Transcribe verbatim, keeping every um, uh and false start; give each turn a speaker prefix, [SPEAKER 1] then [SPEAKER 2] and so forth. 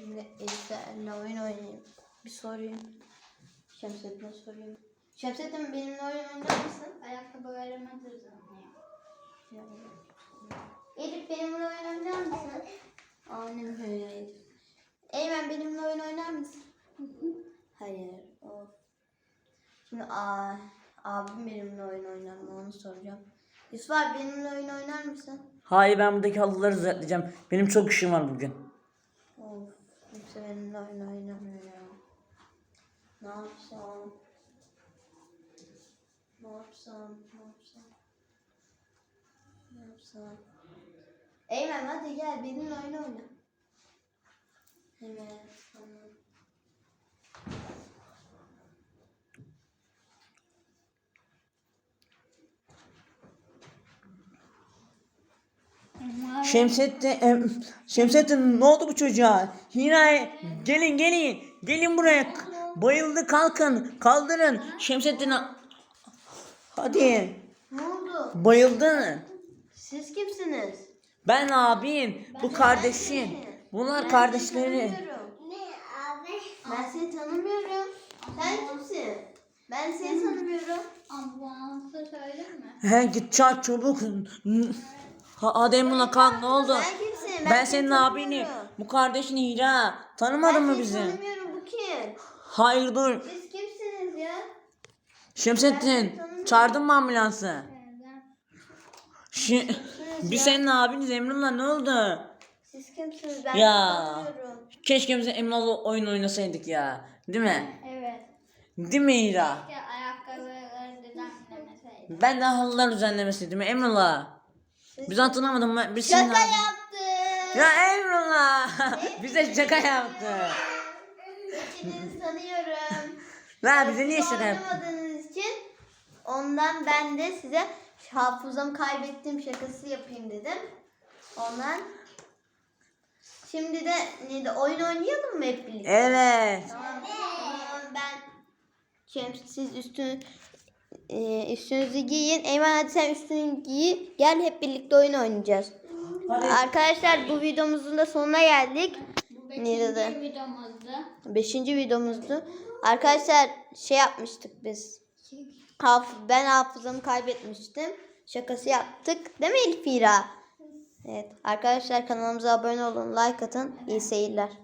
[SPEAKER 1] Şimdi Elif'le oyun oynayayım. Bir sorayım. Şemsettin'e sorayım. Şemsettin benimle oyun oynar mısın?
[SPEAKER 2] Ayakkabılarımı düzenliyor.
[SPEAKER 1] Elif benimle oyun oynar mısın? Annem böyle Elif. Eymen benimle oyun oynar mısın? Hayır. Of. Şimdi aa, abim benimle oyun oynar mı onu soracağım. Yusuf abi benimle oyun oynar mısın?
[SPEAKER 3] Hayır, ben buradaki halıları düzelteceğim. Benim çok işim var bugün.
[SPEAKER 1] Of. Kimse benimle oyun oynamıyor ya. Ne yapsam? Ne yapsam? Ne yapsam? Ne yapsam? Eymen hadi gel benimle oyun oyna. Hemen. Tamam.
[SPEAKER 3] Şemsettin, em, Şemsettin ne oldu bu çocuğa? Hira, gelin gelin. Gelin buraya. Bayıldı, kalkın. Kaldırın. Şemsettin, hadi.
[SPEAKER 1] Ne oldu?
[SPEAKER 3] Bayıldı.
[SPEAKER 1] Siz kimsiniz?
[SPEAKER 3] Ben abin. Bu kardeşin. Bunlar
[SPEAKER 1] Ben
[SPEAKER 3] kardeşleri.
[SPEAKER 1] seni tanımıyorum.
[SPEAKER 2] Ne abi?
[SPEAKER 1] Ben seni tanımıyorum. Sen kimsin? Ben seni tanımıyorum.
[SPEAKER 2] Ambulansı söyleyeyim mi?
[SPEAKER 3] He, git çağır çabuk. Ha, hadi Emrullah kalk, ne oldu?
[SPEAKER 1] Ben kimsin?
[SPEAKER 3] Ben, senin abinim.
[SPEAKER 1] tanımıyorum.
[SPEAKER 3] Bu kardeşin Hira. Tanımadın mı
[SPEAKER 1] Ben
[SPEAKER 3] bizi?
[SPEAKER 1] seni tanımıyorum. Bu kim?
[SPEAKER 3] Hayır, dur.
[SPEAKER 1] Siz kimsiniz ya?
[SPEAKER 3] Şemsettin, çağırdın mı ambulansı?
[SPEAKER 2] Neden?
[SPEAKER 3] Şi
[SPEAKER 1] Kimsiniz
[SPEAKER 3] Biz
[SPEAKER 1] ya?
[SPEAKER 3] senin abiniz Emrullah, ne oldu?
[SPEAKER 1] Siz kimsiniz? Ben
[SPEAKER 3] Ya.
[SPEAKER 1] seni tanımıyorum.
[SPEAKER 3] Keşke biz Emrullah'la oyun oynasaydık ya. Değil mi?
[SPEAKER 2] Evet.
[SPEAKER 3] Değil mi Hira?
[SPEAKER 2] Keşke ayakkabıları düzenlemeseydim.
[SPEAKER 3] Ben de halılar düzenlemesiydim mi Emrullah? Biz hatırlamadım mı? Biz senin
[SPEAKER 1] Şaka
[SPEAKER 3] abin-
[SPEAKER 1] yaptım.
[SPEAKER 3] Ya Emrullah! Bize şaka yaptı.
[SPEAKER 1] Hepinizi tanıyorum.
[SPEAKER 3] La bize niye
[SPEAKER 1] Siz
[SPEAKER 3] şaka yaptın?
[SPEAKER 1] oynamadığınız için ondan ben de size hafızamı kaybettim şakası yapayım dedim. Ondan şimdi de neydi oyun oynayalım mı hep birlikte?
[SPEAKER 3] Evet.
[SPEAKER 1] Tamam. Tamam ben Şems siz üstünü e, üstünüzü giyin. Eymen hadi sen üstünü giy. Gel hep birlikte oyun oynayacağız.
[SPEAKER 3] Hadi.
[SPEAKER 1] Arkadaşlar bu videomuzun da sonuna geldik.
[SPEAKER 2] Bu
[SPEAKER 1] Neydi de?
[SPEAKER 2] beşinci videomuzdu.
[SPEAKER 1] Beşinci videomuzdu. Arkadaşlar şey yapmıştık biz. Haf ben hafızamı kaybetmiştim. Şakası yaptık. Değil mi Elfira? Evet. Arkadaşlar kanalımıza abone olun. Like atın. İyi seyirler.